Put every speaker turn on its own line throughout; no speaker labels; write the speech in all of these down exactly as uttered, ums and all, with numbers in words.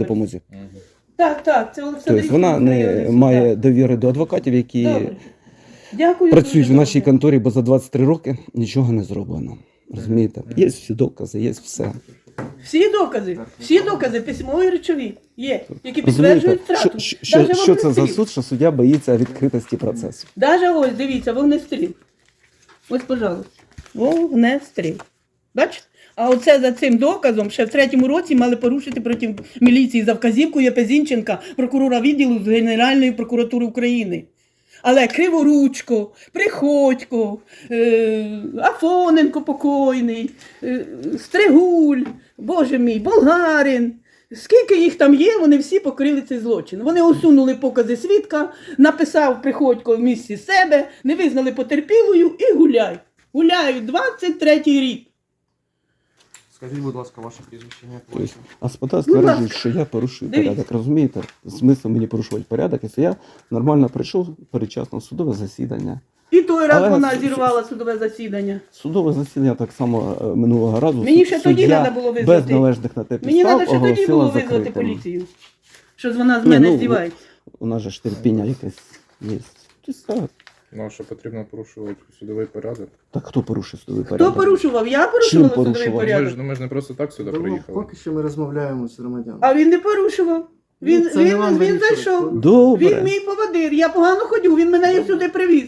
допомозі.
Так, так, це Олександр.
Тобто вона не має довіри до адвокатів, які
Добре. Дякую.
працюють в
дуже
нашій
добре.
конторі, бо за двадцять три роки нічого не зроблено. Розумієте? Є всі докази, є все.
Всі докази, всі докази, письмові речові є, які
Розумієте,
підтверджують
що,
втрату.
що, що,
Даже
що це за
вогнестріл.
суд, що суддя боїться відкритості процесу?
Даже ось, дивіться, вогнестріл. Ось, пожалуйста. Вогнестріл. Бачите? А оце за цим доказом ще в третьому році мали порушити проти міліції за вказівкою Єпезінченка, прокурора відділу з Генеральної прокуратури України. Але Криворучко, Приходько, е, Афоненко покойний, е, Стригуль, боже мій, Болгарин. Скільки їх там є, вони всі покрили цей злочин. Вони усунули покази свідка, написав Приходько в місці себе, не визнали потерпілою і гуляй. Гуляють двадцять третій рік.
Скажіть, будь ласка, ваше прізвище, як
Тобто,
ваше?
господа
Будь
стверджують,
ласка.
що я порушую
Дивіться.
порядок. Розумієте? Смисл мені порушувати порядок, якщо я нормально прийшов передчасно в судове засідання.
І той раз
Але
вона
с-
зірвала судове засідання.
Судове засідання так само е, минулого разу.
Мені
суд-
ще тоді
суддя
треба було визнати.
без належних на те
Мені
підстав
треба ще тоді
оголосила
було визвати
закритим.
поліцію. Що вона з
Ні,
мене
ну,
здівається.
У нас же ж терпіння якесь є. Тобто, так.
Ну, а що потрібно порушувати судовий порядок?
Так хто порушив судовий порядок?
Хто порушував? Я порушувала
Чим
судовий
порушував?
Ми ж,
порядок.
ну, ми ж не просто так сюди
Ну,
приїхали.
поки що ми розмовляємо з громадянами.
А він не порушував. Він,
Ну, це не
він,
вам
він
вирішувати.
зайшов.
Добре.
Він мій поводир. Я погано ходю, він мене і сюди привіз.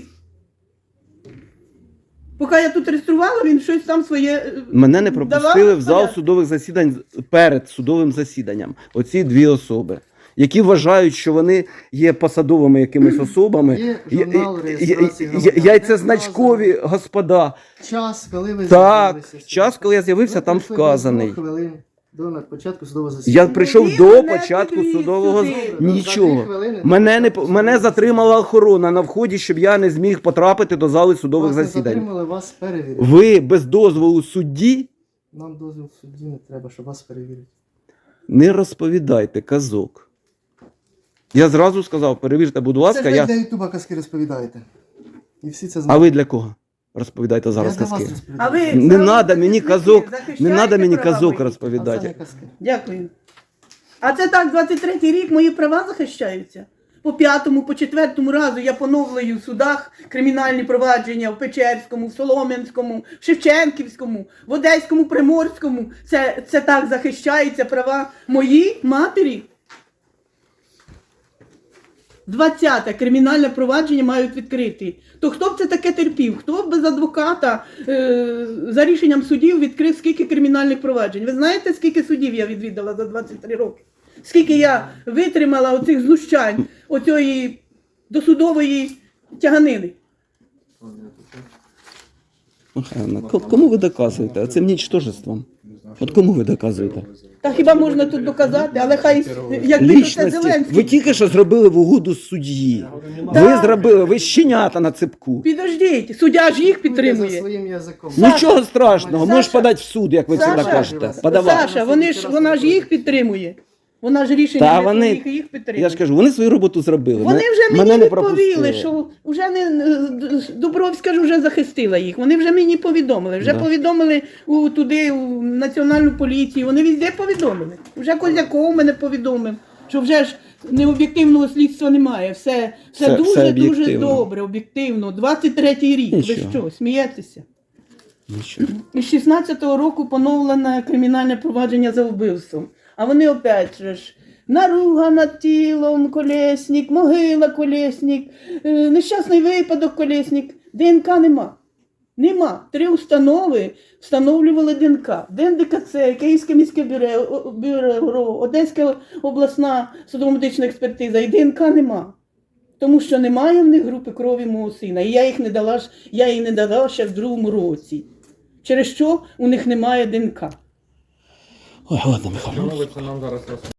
Поки я тут реєструвала, він щось там своє. е,
Мене не
давав
пропустили в зал
порядок.
судових засідань перед судовим засіданням. Оці дві особи, які вважають, що вони є посадовими якимись особами.
Є
Я-
журнал
я-
реєстрації
я-
громадян.
Яйцезначкові господа.
Час, коли ви
Так,
з'явилися.
час, коли я з'явився,
Ви
там
прийшли
вказаний.
без двох хвилин до на- початку судового засідання.
Я прийшов
Він
до
мене
початку
підвіз
судового
сюди.
з-
Добре, за
нічого.
дві хвилини до
Мене не
початку
мене
судового
затримала охорона на вході, щоб я не зміг потрапити до зали судових
Вас не
засідань.
затримали, вас перевірили.
Ви без дозволу судді
Нам дозвіл судді не треба, щоб вас перевірити.
не розповідайте казок. Я зразу сказав, перевірте, будь ласка,
Це ж
я.
ви для ютуба казки розповідаєте. І всі це
А
знають.
ви для кого? Розповідайте зараз
Я для вас
казки.
розповідаю.
А ви
Не
правозахисники,
надо мені казок, не
захищаєте
надо мені
права
казок
мої?
А це не
розповідати.
казки.
Дякую. А це так, двадцять третій рік мої права захищаються. По п'ятому, по четвертому разу я поновлюю в судах кримінальні провадження в Печерському, в Солом'янському, в Шевченківському, в Одеському, Приморському. Це, це так захищаються права мої матері. Двадцяте кримінальне провадження мають відкрити. То хто б це таке терпів? Хто б без адвоката е, за рішенням судів відкрив скільки кримінальних проваджень? Ви знаєте, скільки судів я відвідала за двадцять три роки? Скільки я витримала оцих знущань, оцієї досудової тяганини?
Михайловна, ко- кому ви доказуєте? Цим нічтожеством. От кому ви доказуєте?
Та хіба можна тут доказати, але хай якби то це
Лічності.
Зеленський.
Ви тільки що зробили в угоду судді. Ви
Так.
зробили, ви щенята на цепку.
Підождіть, суддя ж їх
Будьте за
підтримує.
своїм язиком.
Саша,
Нічого страшного,
Саша,
можеш подати в суд, як ви
Саша,
завжди кажете.
Саша,
Подавай.
Саша, вони ж, вона ж їх підтримує. Вона ж рішення
Та
не
вони-
своїх, їх підтримує.
Я ж кажу, вони свою роботу зробили.
Вони
Мене-
вже мені
мене не
відповіли,
пропустили.
що вже не Дубровська ж вже захистила їх. Вони вже мені повідомили. Вже
Да.
повідомили у туди, у національну поліцію. Вони везде повідомили. Вже Козяков мене повідомив, що вже ж необ'єктивного слідства немає. Все, все,
Все-
дуже
все
дуже
об'єктивно.
добре, об'єктивно. двадцять третій рік.
Нічого.
Ви що, смієтеся?
Нічого.
Із шістнадцятого року поновлене кримінальне провадження за вбивством. А вони опять же ж наруга над тілом, Колєснік, могила Колєснік, е, нещасний випадок Колєснік. ДНК нема. Нема. Три установи встановлювали ДНК. ДНДКЦ, Київське міське бюро, бюро, Одеська обласна судово-медична експертиза. І ДНК нема. Тому що немає в них групи крові мого сина. І я їх не дала, ж- я їй не дала ще в другому році. Через що у них немає ДНК.
Ой, ладно, Михайло.
Чому ви це нам зараз розповідаєте?